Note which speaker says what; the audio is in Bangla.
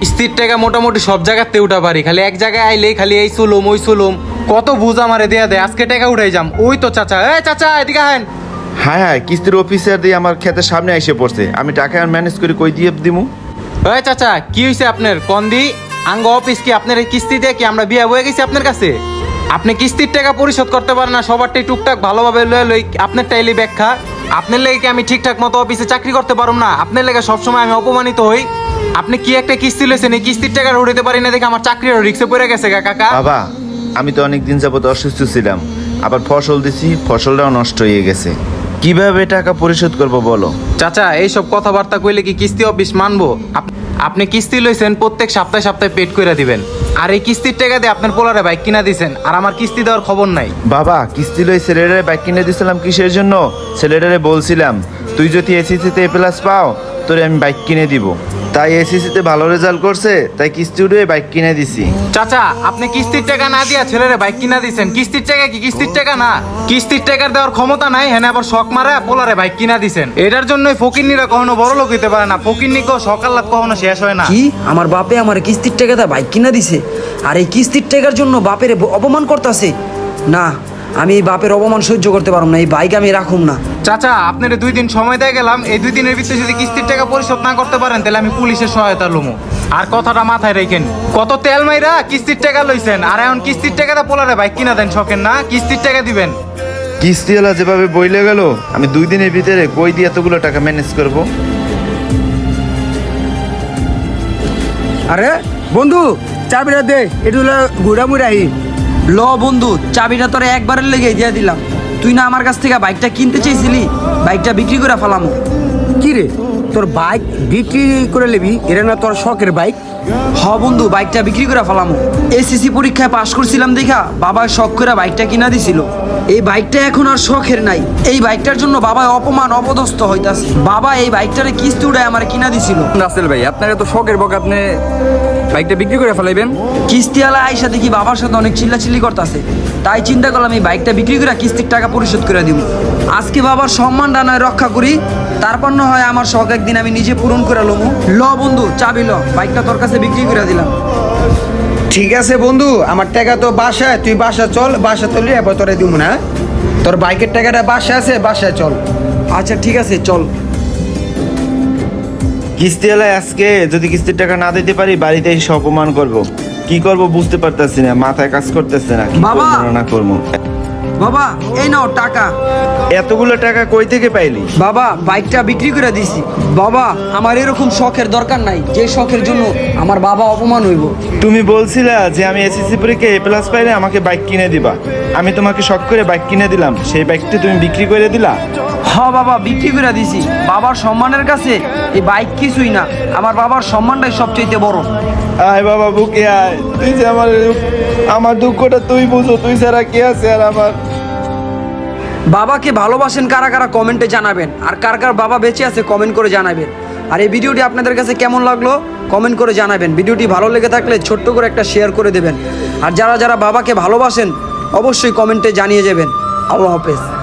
Speaker 1: কিস্তির টাকা মোটামুটি সব জায়গাতে উঠা পারি, খালি এক জায়গায় আইলেই খালি এই চুলুম ওই চুলুম কত বুঝ আমারে দেয়া দেয়। আজকে টাকা উঠাই যাম। ওই তো চাচা, এ চাচা এদিকে আহেন।
Speaker 2: হ্যাঁ হ্যাঁ, কিস্তির অফিসার দিয়ে আমার ক্ষেতের সামনে এসে পড়ছে। আমি টাকা ম্যানেজ করে কই দিয়ে দিমু?
Speaker 1: ওই চাচা কি হয়েছে আপনার কন্দি আঙ্গ অফিস কি আপনার এই কিস্তি দিয়ে কি আমরা বিয়া হয়ে গেছি আপনার কাছে? আপনি কিস্তির টাকা পরিশোধ করতে পারেন না, সবারটাই টুকটাক ভালোভাবে লয়ে লই। আপনার টাইলি ব্যাখ্যা আপনার লেগে কি আমি ঠিকঠাক মতো অফিসে চাকরি করতে পারুম না? আপনার লেগে সবসময় আমি অপমানিত হই। আপনি কি একটা কিস্তি লইছেন, এই কিস্তির টাকা উঠাতে পারি না দেখে আমার চাকরির রিক্সে পড়ে গেছে কাকা।
Speaker 2: বাবা, আমি তো অনেক দিন যাবত অসুস্থ ছিলাম, আবার ফসল দিছি, ফসলটাও নষ্ট হয়ে গেছে। কিভাবে টাকা পরিশোধ করব বলো?
Speaker 1: চাচা এইসব কথাবার্তা কইলে কি কিস্তি অফিস মানবো? আপনি কিস্তি লইছেন, প্রত্যেক সপ্তাহে সপ্তাহে পেড করে দিবেন। আর এই কিস্তির টাকা দিয়ে আপনার পোলারে বাইক কিনা দিছেন, আর আমার কিস্তি দেওয়ার খবর নাই।
Speaker 2: বাবা, কিস্তি লই ছেলেটারে বাইক কিনে দিয়েছিলাম কিসের জন্য? ছেলেটারে বলছিলাম তুই যদি এসিসিতে এ প্লাস পাও তোরে আমি বাইক কিনে দিব। তাই এসিসিতে ভালো রেজাল্ট করছে, তাই কিস্তি উঠে বাইক কিনে দিছি।
Speaker 1: চাচা আপনি কিস্তির টাকা না দিয়া ছেলেরে বাইক কিনা দিছেন, কিস্তির টাকা কি কিস্তির টাকা না? কিস্তির টাকার দেওয়ার ক্ষমতা নাই, হ্যাঁ আবার শখ মারা পোলারে বাইক কিনা দিছেন। এটার জন্যই ফকিন্নিরা কখনো বড় লোক হইতে পারে না। ফকিন্নি সকাল রাত কখনো শেষ হয় না।
Speaker 3: কি আমার বাপে আমার কিস্তির টাকাটা বাইক কিনা দিছে, আর এই কিস্তির টাকার জন্য বাপের অপমান করতেছে? না, আমি এই বাপের অপমান সহ্য করতে পারব না, এই বাইক আমি রাখুম না।
Speaker 1: চাচা আপনার 2 দিন সময় দিয়ে গেলাম, এই 2 দিনের ভিতরে যদি কিস্তির টাকা পরিশোধ না করতে পারেন তাহলে আমি পুলিশের সহায়তা লমু। আর কথাটা মাথায় রেখেন, কত তেল মাইরা কিস্তির টাকা লইছেন, আর এখন কিস্তির টাকাটা পোলারে বাইক কিনা দেন শখেন না, কিস্তির টাকা দিবেন।
Speaker 2: কিস্তিওয়ালা যেভাবে বইলে গেল, আমি 2 দিনের ভিতরে কই দিয়ে এতগুলো টাকা ম্যানেজ করব?
Speaker 4: আরে বন্ধু, চাবিটা দে, একটু ঘুরা মুড়াই।
Speaker 3: ল বন্ধু, চাবিটা তোরা একবারের লেগে দিয়ে দিলাম। তুই না আমার কাছ থেকে বাইকটা কিনতে চেয়েছিলি, বাইকটা বিক্রি করে ফেলামো।
Speaker 4: কি রে, তোর বাইক বিক্রি করে নিবি? এটা না তোর শখের বাইক?
Speaker 3: হ বন্ধু, বাইকটা বিক্রি করে ফেলামো। এসএসসি পরীক্ষায় পাশ করছিলাম দেখা বাবা শখ করে বাইকটা কিনা দিছিল। এই বাইকটা এখন আর শখের নাই, এই বাইকটার জন্য বাবা অপমান অপদস্থ হইতাছে। বাবা এই বাইকটারে কিস্তি উড়ায় আমার কিনা দিছিল।
Speaker 5: রাসেল ভাই, আপনার এত শখের বক, আপনি বাইকটা বিক্রি করে ফেলাইবেন?
Speaker 3: কিস্তিওয়ালা আইসা দেখি বাবার সাথে অনেক চিল্লাচিল্লি করতেছে, তাই চিন্তা করলাম এই বাইকটা বিক্রি করে কিস্তির টাকা পরিশোধ করে দিব। আজকে বাবার সম্মানটা নয় রক্ষা করি, তারপর না হয় আমার শখ একদিন আমি নিজে পূরণ করে লমু। ল বন্ধু, চাবি ল, বাইকটা তোর কাছে বিক্রি করে দিলাম।
Speaker 4: ঠিক আছে বন্ধু, আমার টাকা তো বাসায়, তুই বাসা চল, বাসা চললি এবার তোরে দিব না। তোর বাইকের টাকাটা বাসায় আছে, বাসায় চল।
Speaker 3: আচ্ছা ঠিক আছে, চল।
Speaker 2: কিস্তিওয়ালা আজকে যদি কিস্তির টাকা না দিতে পারি, বাড়িতে এসে অপমান করব। কি করব বুঝতে পারতেছি না, মাথায় কাজ করতেছে না, কি
Speaker 3: বাবা!
Speaker 2: করব না করব।
Speaker 3: বাবা এই নাও টাকা।
Speaker 2: এতগুলো টাকা কই থেকে পাইলি?
Speaker 3: বাবা বাইকটা বিক্রি করে দিছি। বাবা আমার এরকম শখের দরকার নাই, যে শখের জন্য আমার বাবা অপমান হইব।
Speaker 2: তুমি বলছিলা যে আমি এসএসসি পরীক্ষায় এ প্লাস পাইলে আমাকে বাইক কিনে দিবা। আমি তোমাকে শখ করে বাইক কিনে দিলাম, সেই বাইকটি তুমি বিক্রি করে দিলা।
Speaker 3: হ বাবা, বিক্রি করে দিছি। বাবার সম্মানের কাছে এই বাইক কিছুই না, আমার বাবার সম্মানটাই সবচেয়ে বড়।
Speaker 2: আয় বাবা বুকে আয়, তুই যে আমার দুঃখটা তুই বুঝো, তুই ছাড়া কে আছে আর আমার?
Speaker 3: বাবাকে ভালোবাসেন কারা কারা কমেন্টে জানাবেন, আর কার কার বাবা বেঁচে আছে কমেন্ট করে জানাবেন। আর এই ভিডিওটি আপনাদের কাছে কেমন লাগলো কমেন্ট করে জানাবেন। ভিডিওটি ভালো লেগে থাকলে ছোট্ট করে একটা শেয়ার করে দেবেন। আর যারা যারা বাবাকে ভালোবাসেন অবশ্যই কমেন্টে জানিয়ে যাবেন। আল্লাহ হাফেজ।